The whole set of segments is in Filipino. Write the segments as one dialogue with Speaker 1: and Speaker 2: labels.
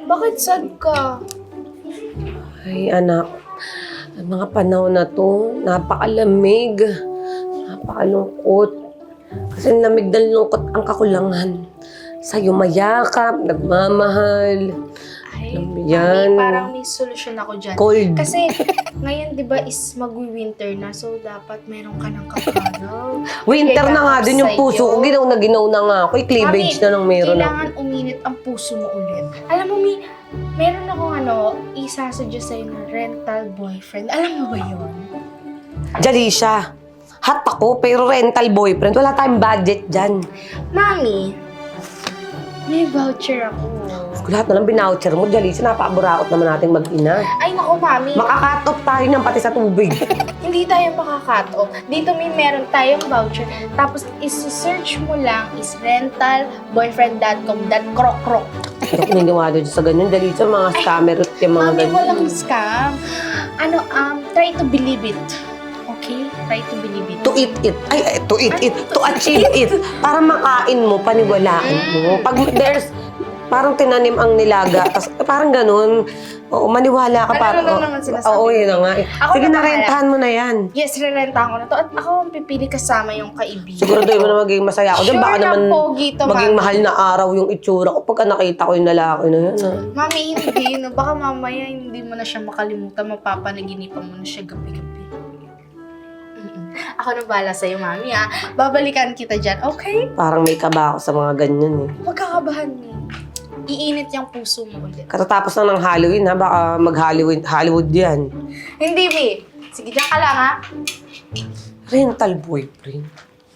Speaker 1: Bakit sad ka?
Speaker 2: Ay, anak. Ang mga panahon na to, napakalamig. Napakalungkot. Kasi lamig na lungkot ang kakulangan. Sa'yo mayakap, nagmamahal.
Speaker 1: Ay,
Speaker 2: Alam mo yan.
Speaker 1: parang may solusyon ako dyan.
Speaker 2: Cold.
Speaker 1: Kasi ngayon, di ba, is magwi-winter na. So, dapat meron ka ng kaparaw.
Speaker 2: Winter na nga din yung
Speaker 1: Sa'yo.
Speaker 2: puso ko. Ginaw na nga ako. Cleavage na lang meron ako.
Speaker 1: Kailangan uminit ang puso mo ulit. Alam mo, meron akong isasuggest sa'yo na rental boyfriend. Alam mo ba yun?
Speaker 2: Jalisha, hot ako pero rental boyfriend. Wala tayong budget dyan.
Speaker 1: Mami, may voucher ako.
Speaker 2: Lahat na lang binoucher mo, Jalisha. Napakaburaot naman nating mag-ina.
Speaker 1: Ay, naku, Mami.
Speaker 2: Makakat off tayo niyan pati sa tubig.
Speaker 1: Hindi tayo makaka-cut off. Dito meron tayong voucher. Tapos, isi-search mo lang is rentalboyfriend.com.krok-krok.
Speaker 2: Hindi ako niniwala dyan sa ganyan. Jalisha, mga scammer at yung mga
Speaker 1: Mami,
Speaker 2: ganyan.
Speaker 1: walang scam. Try to believe it. Okay? Try to believe it.
Speaker 2: To eat it. Ay, to eat it. To achieve it. Para makain mo, paniwalaan mo. Pag there's, parang tinanim ang nilaga. Tas, parang ganun. Oo, maniwala ka para.
Speaker 1: Ano naman sinasabi?
Speaker 2: Oo, yun na nga.
Speaker 1: Ako
Speaker 2: Sige,
Speaker 1: na
Speaker 2: narentahan mo na yan.
Speaker 1: Yes, rerentahan ko na to. At ako ang pipili kasama yung kaibigan.
Speaker 2: Siguraduhin mo na magiging masaya ako dyan. Baka
Speaker 1: Sure na
Speaker 2: naman
Speaker 1: pogi to,
Speaker 2: maging
Speaker 1: Mami.
Speaker 2: mahal na araw yung itsura ko pagka nakita ko yung lalaki na yan.
Speaker 1: Mami, hindi. No? Baka mamaya hindi mo na siya makalimutan. Mapapanaginipan mo na siya gabi-gabi. Ako na bahala sa'yo, Mami, ha? Babalikan kita dyan, okay?
Speaker 2: Parang may kaba ako sa mga ganyan eh.
Speaker 1: Huwag kakabahan mo. Iinit yung puso mo ulit.
Speaker 2: Katatapos na ng Halloween ha, baka mag-Hollywood yan.
Speaker 1: Hindi, Mi. Sige, dyan ka lang, ha?
Speaker 2: Rental boyfriend.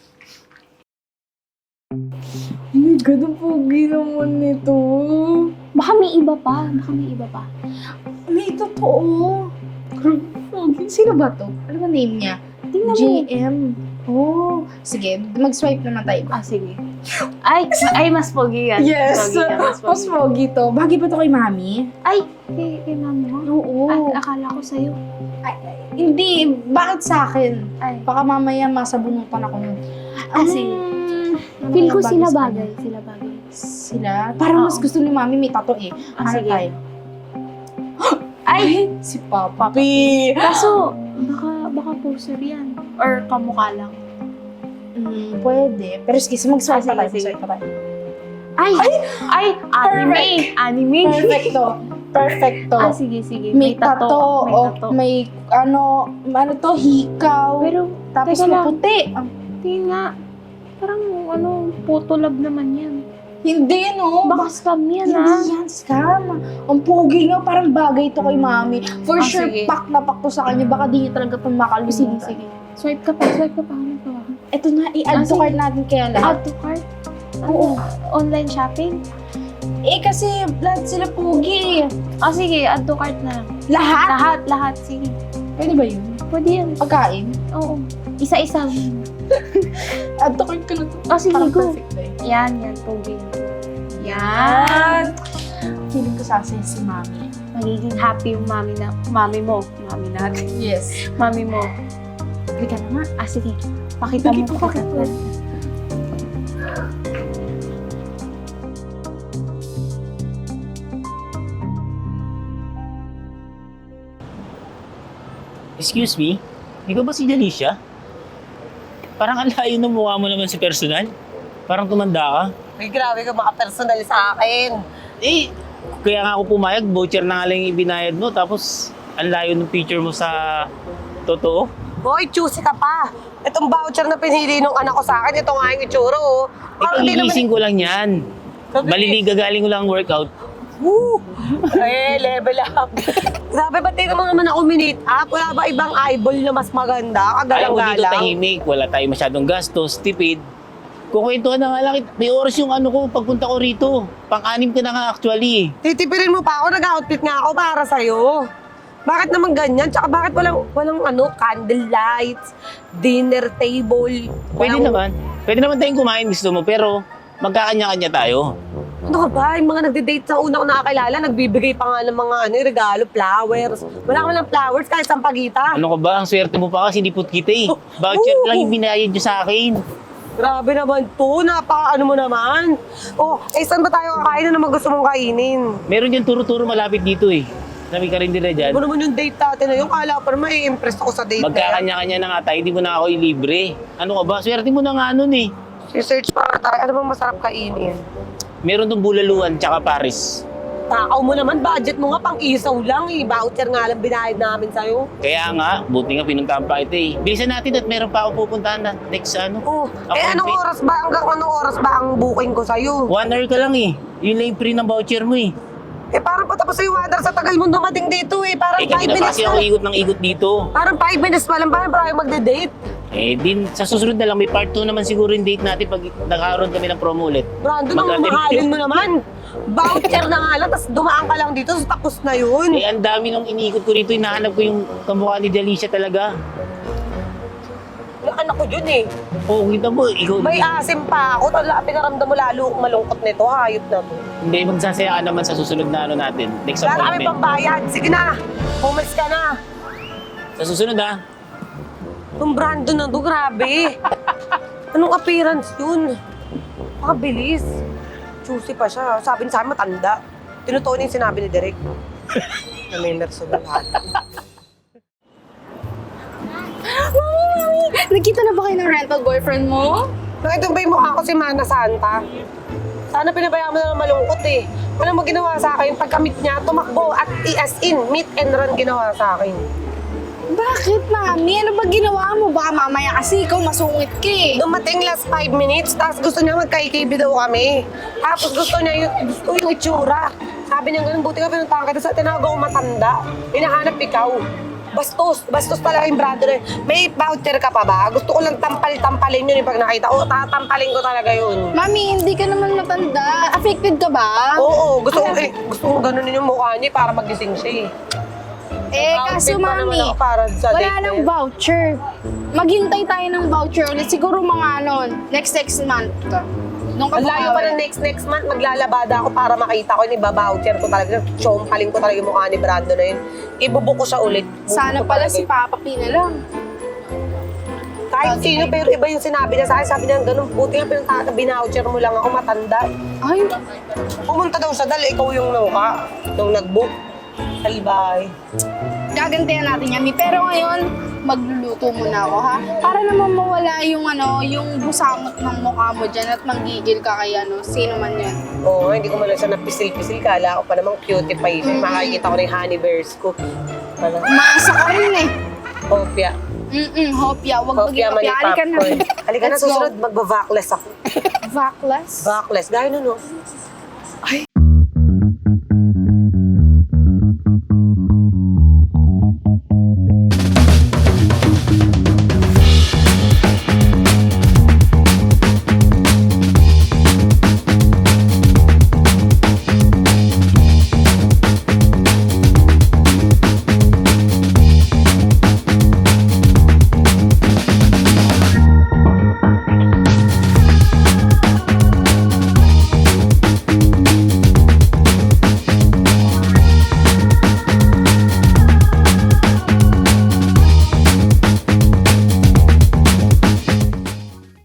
Speaker 1: Hindi, ganun pogi naman nito.
Speaker 3: Baka may iba pa.
Speaker 1: May totoo. Pogi. Sino ba to? Ano ba name niya?
Speaker 3: Tingnan mo.
Speaker 1: JM. Oh, sige. Mag-swipe naman tayo.
Speaker 3: Sige. Ay, mas pogi yan.
Speaker 1: Yes.
Speaker 3: Pogi yan,
Speaker 1: Mas pogi to. Bagay ba to kay Mami?
Speaker 3: Ay, kay mama.
Speaker 1: Oo.
Speaker 3: Akala ko sa'yo.
Speaker 1: Hindi. Bakit sa akin?
Speaker 3: Ay.
Speaker 1: Baka mamaya masabunutan ako nun.
Speaker 3: Sige. Feel ko sila bagay.
Speaker 1: Sila? Parang mas gusto ni Mami may tato eh. Ano
Speaker 3: Sige.
Speaker 1: tayo?
Speaker 3: Ay!
Speaker 1: Si Papa P.
Speaker 3: Kaso, baka poster yan. Or kamukha lang.
Speaker 1: Pwede. Pero sige, mag-swipe pa tayo.
Speaker 3: Sige.
Speaker 1: Mag-swipe pa tayo.
Speaker 3: Ay! Anime!
Speaker 1: Perfecto.
Speaker 3: Sige.
Speaker 1: May tato.
Speaker 3: May
Speaker 1: O
Speaker 3: tato.
Speaker 1: may ano to, hikaw.
Speaker 3: Pero,
Speaker 1: tapos
Speaker 3: teka lang.
Speaker 1: maputi.
Speaker 3: tingin nga, parang photolab naman yan.
Speaker 1: Hindi, no?
Speaker 3: Baka scam yan,
Speaker 1: Hindi yan scam. Ang pogi nga, parang bagay to kay Mami. For sure,
Speaker 3: sige.
Speaker 1: pak na pak to sa kanya. Baka di niya talaga pang makalimutan.
Speaker 3: Sige. Swipe ka pa. Ano pa ba?
Speaker 1: Ito na, i-add to
Speaker 3: Sige.
Speaker 1: cart natin kaya lahat.
Speaker 3: Add to cart?
Speaker 1: Oo.
Speaker 3: Online shopping?
Speaker 1: Kasi lahat sila pogi.
Speaker 3: Sige, add to cart na lang.
Speaker 1: Lahat?
Speaker 3: Lahat. Sige.
Speaker 1: Pwede ba yun?
Speaker 3: Pwede yan.
Speaker 1: Pagkain?
Speaker 3: Oo. Isa-isa.
Speaker 1: Add to cart ka na to.
Speaker 3: Sige,
Speaker 1: Parang
Speaker 3: go.
Speaker 1: perfect ba yun?
Speaker 3: Yan. Pogi.
Speaker 1: Yan! Feeling ko sasaya si Mami.
Speaker 3: Magiging happy yung mami mo. Mami natin.
Speaker 1: Yes.
Speaker 3: Mami mo.
Speaker 1: Halika na nga.
Speaker 3: Sige. Pakita mo.
Speaker 1: Pakita mo.
Speaker 4: Excuse me? Ikaw ba si Jalisha? Parang ang layo ng mukha mo naman sa personal. Parang tumanda ka.
Speaker 2: Ay, grabe ka mga personal sa akin.
Speaker 4: Eh, kaya nga ako pumayag, voucher na nga lang yung ibinayad mo. Tapos, ang layo ng picture mo sa totoo.
Speaker 2: Boy, choosy ka pa. Itong voucher na pinili nung anak ko sa akin, ito nga yung itsura, oh. Parang di
Speaker 4: Ipagigising ko lang yan. Maliliga galing ko lang workout.
Speaker 2: Woo! Level up. Grabe, ba't di naman ako minute up? Wala ba ibang eyeball na mas maganda?
Speaker 4: Ayaw ko dito
Speaker 2: Kagalang-galang.
Speaker 4: tahimik. Wala tayo masyadong gastos, tipid. Kukwentuhan na nga lang. May oras yung ano ko, pagpunta ko rito. Pang-anim ka na nga actually.
Speaker 2: Titipirin mo pa ako, nag-outfit nga ako para sa'yo. Bakit naman ganyan? Tsaka bakit walang candle lights, dinner table?
Speaker 4: Pwede naman. Pwede naman tayong kumain gusto mo, pero magkakanya-kanya tayo.
Speaker 2: Ano ka ba? Yung mga nagde-date sa una ko nakakilala, nagbibigay pa nga ng mga regalo, flowers. Wala ka lang flowers kahit sampagita.
Speaker 4: Ano ka ba? Ang swerte mo pa kasi hindi put kita eh. Voucher lang yung binayad nyo sa akin.
Speaker 2: Grabe naman to. Napaka ano mo naman. Oh, saan ba tayo kakain na naman gusto mong kainin?
Speaker 4: Meron yung turo-turo malapit dito eh. Sabi ka rin nila dyan.
Speaker 2: Ano naman yung date natin na yun? Kala pa naman i-impress ako sa date na yan.
Speaker 4: Magkakanya-kanya na nga tayo, hindi mo na ako ilibre. Ano ka ba? Swerte mo na nga nun eh.
Speaker 2: Si-search pa tayo. Ano bang masarap kainin?
Speaker 4: Meron tong bulaluan tsaka Paris.
Speaker 2: Takaw mo naman, budget mo nga pang isaw lang eh. Voucher nga lang binayad namin sa'yo.
Speaker 4: Kaya nga, buti nga pinuntahan pa kita eh. Bilisan natin at meron pa ako pupuntahan na next ano.
Speaker 2: Oh, anong
Speaker 4: Appointment.
Speaker 2: oras ba? Hanggang anong oras ba ang booking ko sa'yo?
Speaker 4: 1 hour ka lang eh. Yun lang yung free ng voucher mo eh.
Speaker 2: Parang patapos sa'yo, Wadar, sa tagal mo dumating dito eh. Parang 5
Speaker 4: Kanina pa
Speaker 2: minutes
Speaker 4: kasi ako ikot ng ikot dito.
Speaker 2: Parang 5 minutes pa lang. Parang tayo magde-date.
Speaker 4: Din, sa susunod na lang, may part 2 naman siguro yung date natin pag nagkaroon kami ng promo ulit.
Speaker 2: Brandon, ang
Speaker 4: Mag-attend
Speaker 2: mahalin
Speaker 4: kayo.
Speaker 2: mo naman. Voucher na nga lang, tapos dumaan ka lang dito, tapos na yun.
Speaker 4: Ang dami nung iniikot ko rito, hinahanap ko yung kamukha ni Delicia talaga.
Speaker 2: Yung anak ko yun eh.
Speaker 4: Oo, kita mo, ikaw.
Speaker 2: May asim pa ako. Tala, pinaramdam mo lalo akong malungkot nito. Hayop na to.
Speaker 4: Hindi, magsasaya ka naman sa susunod na ano natin. Next
Speaker 2: Wala na kami
Speaker 4: appointment.
Speaker 2: pambayad. Sige na. Pumalis ka na.
Speaker 4: Sa susunod ha.
Speaker 2: Yung Brandon na to, grabe. Anong appearance yun? Makabilis. Juicy pa siya. Sabi niya sa akin, matanda. Tinutuon niya yung sinabi ni Derek. Na may merso na lahat.
Speaker 1: Nagkita na ba kayo ng rental boyfriend mo?
Speaker 2: Nakita ba yung mukha ko si Mana Santa? Sana pinabayaan mo na ng malungkot eh. Ano mo ginawa sa akin? Pagkamit niya, tumakbo at as in, meet and run ginawa sa akin.
Speaker 1: Bakit, mami? Ano ba ginawa mo? Baka mamaya kasi ikaw masungit ka eh.
Speaker 2: Dumating last 5 minutes, tapos gusto niya magka-IKB daw kami. Tapos gusto yung itsura. Sabi niya ganun, buti ka pinuntahan ka. Tapos tinawag ako matanda. Hinahanap ikaw. Bastos talaga yung brother. May voucher ka pa ba? Gusto ko lang tampal-tampalin yun yung pag nakita. Oo, tatampalin ko talaga yun.
Speaker 1: Mami, hindi ka naman matanda. Affected ka ba?
Speaker 2: Oo, gusto ko ganunin yung mukha niya para magising siya eh.
Speaker 1: Kaso
Speaker 2: Outfit pa naman
Speaker 1: mami,
Speaker 2: ako para sa
Speaker 1: wala
Speaker 2: date na
Speaker 1: nang
Speaker 2: yun.
Speaker 1: voucher. Maghintay tayo ng voucher ulit. Siguro mga next month. Nung
Speaker 2: Ang layo pa ng next month, maglalabada ako para makita ko yun. Iba-voucher ko talaga. Chompaling ko talaga yung mukha ni Brando na yun. Ibubook ko siya ulit.
Speaker 1: Sana
Speaker 2: Bubuko
Speaker 1: pala
Speaker 2: talaga
Speaker 1: si
Speaker 2: yun.
Speaker 1: Papa P na lang.
Speaker 2: Kahit sino, pero iba yung sinabi niya sa akin. Sabi niya, ganun, buti nga pinunta, binoucher mo lang ako, matanda.
Speaker 1: Ay,
Speaker 2: Pumunta daw siya dahil ikaw yung nauka, yung nag-book. Salbay.
Speaker 1: gagantihan natin yan. Pero ngayon, magluluto muna ako ha. Para naman mawala yung yung busamot ng mukha mo dyan at manggigil ka kay sino man yan.
Speaker 2: Oo, hindi ko man lang siya napisil-pisil. Kala ko pa namang cutie pa yun. Makakita ko na yung honey bears ko.
Speaker 1: Maasa ka rin eh.
Speaker 2: Hopya.
Speaker 1: Hopya. Huwag
Speaker 2: Hopya
Speaker 1: maging
Speaker 2: mani
Speaker 1: hopya. Halika na.
Speaker 2: popcorn. Halika na,
Speaker 1: Let's go.
Speaker 2: susunod, magba-vackless ako.
Speaker 1: Vacless?
Speaker 2: Backless, gaya nun, no?